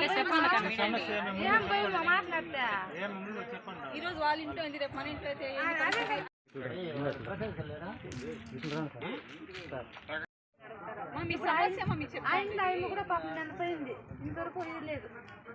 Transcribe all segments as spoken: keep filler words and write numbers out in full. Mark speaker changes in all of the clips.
Speaker 1: ఈరోజు వాళ్ళ ఇంట్లో ఉంది, రేపు మన ఇంట్లో అయితే మీ సమస్య మీకు కూడా పాపం చనిపోయింది, ఇంతవరకు లేదు.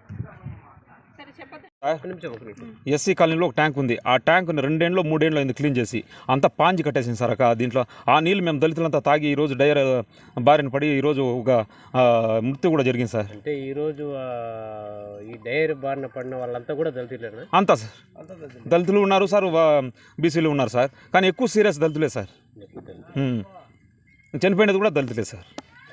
Speaker 2: ఎస్సీ కాలనీలో ఒక ట్యాంక్ ఉంది. ఆ ట్యాంక్ని రెండేళ్ళు మూడేళ్ళు అయింది క్లీన్ చేసి, అంతా పాంచి కట్టేసింది సార్. దీంట్లో ఆ నీళ్ళు మేము దళితులంతా తాగి ఈరోజు డైర్ బారిన పడి ఈరోజు ఒక మృత్యు కూడా జరిగింది సార్.
Speaker 3: అంటే ఈరోజు ఈ డైర్ బారిన పడిన వాళ్ళంతా కూడా దళితులేనా?
Speaker 2: అంతా సార్, దళితులు ఉన్నారు సార్, బీసీలు ఉన్నారు సార్, కానీ ఎక్కువ సీరియస్ దళితులే సార్. చనిపోయినది కూడా దళితులే సార్.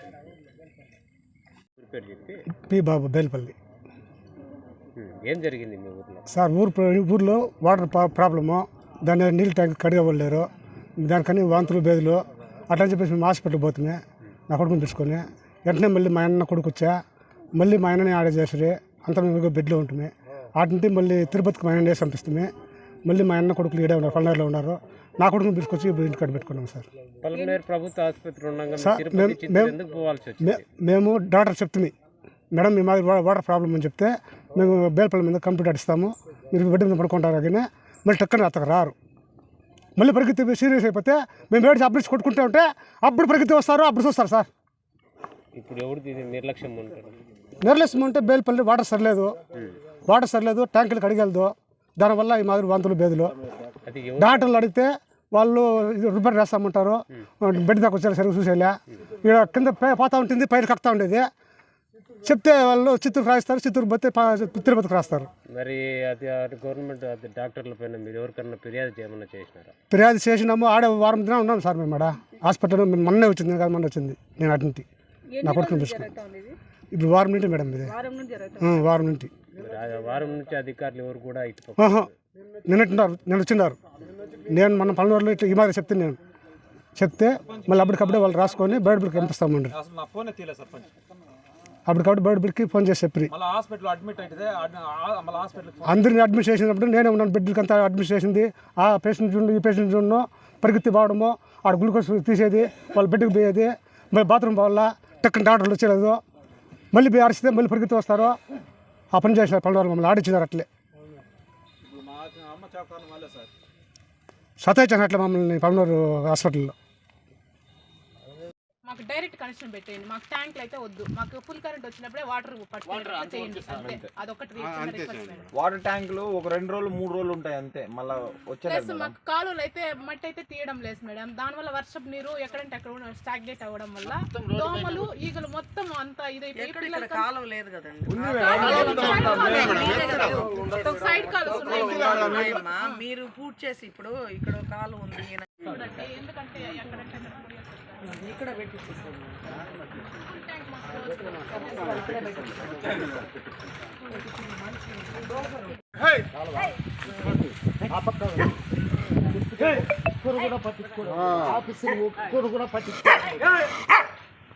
Speaker 4: పి బాబు బేల్పల్లి.
Speaker 3: ఏం జరిగింది మీ ఊర్లో
Speaker 4: సార్? ఊరు ఊర్లో వాటర్ ప్రాబ్లము, దాన్ని నీళ్ళు ట్యాంక్ కడిగవలేరు, దానికని వాంతులు బేదులు అట్లా చెప్పేసి మేము హాస్పిటల్కి పోతున్నాయి. నా కొడుకుని తీసుకొని వెంటనే మళ్ళీ మా అన్న కొడుకు వచ్చా, మళ్ళీ మా ఆయనని ఆడే చేసి అంత మేము బెడ్లో ఉంటుంది. వాటి నుండి మళ్ళీ తిరుపతికి మా ఆయన వేసి పంపిస్తుంది. మళ్ళీ మా అన్న కొడుకులు ఈడే ఉన్నారు, పల్నాడులో ఉన్నారు. నా కొడుకుని తీసుకొచ్చి ఇంటికాడ పెట్టుకున్నాం సార్.
Speaker 3: ప్రభుత్వ ఆసుపత్రి
Speaker 4: మేము డాక్టర్ చెప్తుంది, మేడం మీ మాది వాటర్ ప్రాబ్లం అని చెప్తే మేము బేల్పల్లి మీద కంప్యూటర్ ఇస్తాము, మీరు బెడ్ మీద పడుకుంటారు. కానీ మళ్ళీ టక్కన అతను రారు. మళ్ళీ పరిగెత్తి సీరియస్ అయిపోతే మేము వేడి అప్పుడు కొట్టుకుంటూ ఉంటే అప్పుడు పరిగెత్తి వస్తారు, అప్పుడు చూస్తారు సార్.
Speaker 3: ఇప్పుడు ఎవరు నిర్లక్ష్యం ఉంటారు?
Speaker 4: నిర్లక్ష్యం ఉంటే బేల్పల్లి వాటర్ సరిలేదు, వాటర్ సరిలేదు, ట్యాంకులు కడిగలదు. దానివల్ల ఈ మాదిరి వాంతులు బేదులు. డాక్టర్లు అడిగితే వాళ్ళు రిపేర్ చేస్తామంటారు, బెడ్ దాకా వచ్చారు సరిగ్గా చూసేలా. ఇక్కడ కింద పోతా ఉంటుంది, పైన కక్కుతా ఉండేది. చెప్తే వాళ్ళు చిత్తూరు రాయిస్తారు, చిత్తూరు పోతే తిరుపతికి రాస్తారు.
Speaker 3: మరి అది గవర్నమెంట్ డాక్టర్ల పైన మీరు ఎవరికన్నా ఫిర్యాదు చేయమన్నా చేసినారా?
Speaker 4: ఫిర్యాదు చేసినాము. ఆడే వారం దిన ఉన్నాం సార్ మేము ఆడ హాస్పిటల్. మొన్నే వచ్చింది కాదు, మొన్న వచ్చింది. నేను అటు నుంచి నా కొడుకుని తీసుకున్నాను. ఇప్పుడు వారం నుండి మేడం ఇది, వారం నుండి
Speaker 3: వారం నుంచి అధికారులు ఎవరు కూడా
Speaker 4: నిన్నట్టున్నారు, నేను వచ్చిన్నారు. నేను మన పల్లెటూరులో ఇట్లా ఈ మాదిరి చెప్తే నేను చెప్తే మళ్ళీ అప్పటికప్పుడే వాళ్ళు రాసుకొని బయట బిల్కి పంపిస్తామండి. అప్పటికప్పుడు బయట బిల్కి ఫోన్ చేసి చెప్పి అందరినీ అడ్మిట్ చేసినప్పుడు నేనే ఉన్నాను. బెడ్లకి అంతా అడ్మిట్ చేసింది. ఆ పేషెంట్ చూడు, ఈ పేషెంట్ చూడను, పరిగెత్తి పోవడము, ఆడ గ్లూకోజ్ తీసేది, వాళ్ళ బెడ్కి పోయేది, మళ్ళీ బాత్రూమ్ పోవాలా, టక్కన డాక్టర్లు వచ్చేలేదు. మళ్ళీ పోయి అరిస్తే మళ్ళీ పరిగెత్తి వస్తారు. ఆ పని చేసినారు పల్లెటూరు, మమ్మల్ని ఆడిచ్చినారు. అట్లే సతాయించాను అట్లా మమ్మల్ని పల్లెటూరు హాస్పిటల్లో.
Speaker 1: మాకు డైరెక్ట్ కనెక్షన్ పెట్టేయండి, మాకు ట్యాంక్లు అయితే వద్దు. మాకు ఫుల్ కరెంట్ వచ్చినప్పుడే వాటర్ చేయండి, అదొకటి.
Speaker 5: వాటర్ ట్యాంకులు ఒక రెండు రోజులు మూడు రోజులు ఉంటాయి అంతే, మళ్ళీ వచ్చేది.
Speaker 1: మాకు కాలువలు అయితే మట్టి అయితే తీయడం లేదు మేడం. దానివల్ల వర్షపు నీరు ఎక్కడంటే అక్కడ స్టాగ్నేట్ అవ్వడం వల్ల దోమలు ఈగలు మొత్తం అంతా ఇదైపోయి కాలువ లేదు కదండి, సైడ్ కాలువలు ఉన్నాయి.
Speaker 6: మీరు పూర్తి చేసి ఇప్పుడు ఇక్కడ కాలువ ఉంది,
Speaker 1: ఎందుకంటే ఎక్కడంటే
Speaker 6: ఇక్కడ పెట్టి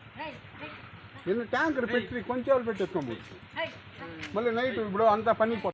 Speaker 7: నిన్న ట్యాంకర్ పెట్టి కొంచెం పెట్టేసుకోండి. మళ్ళీ నైట్ ఇప్పుడు అంతా పని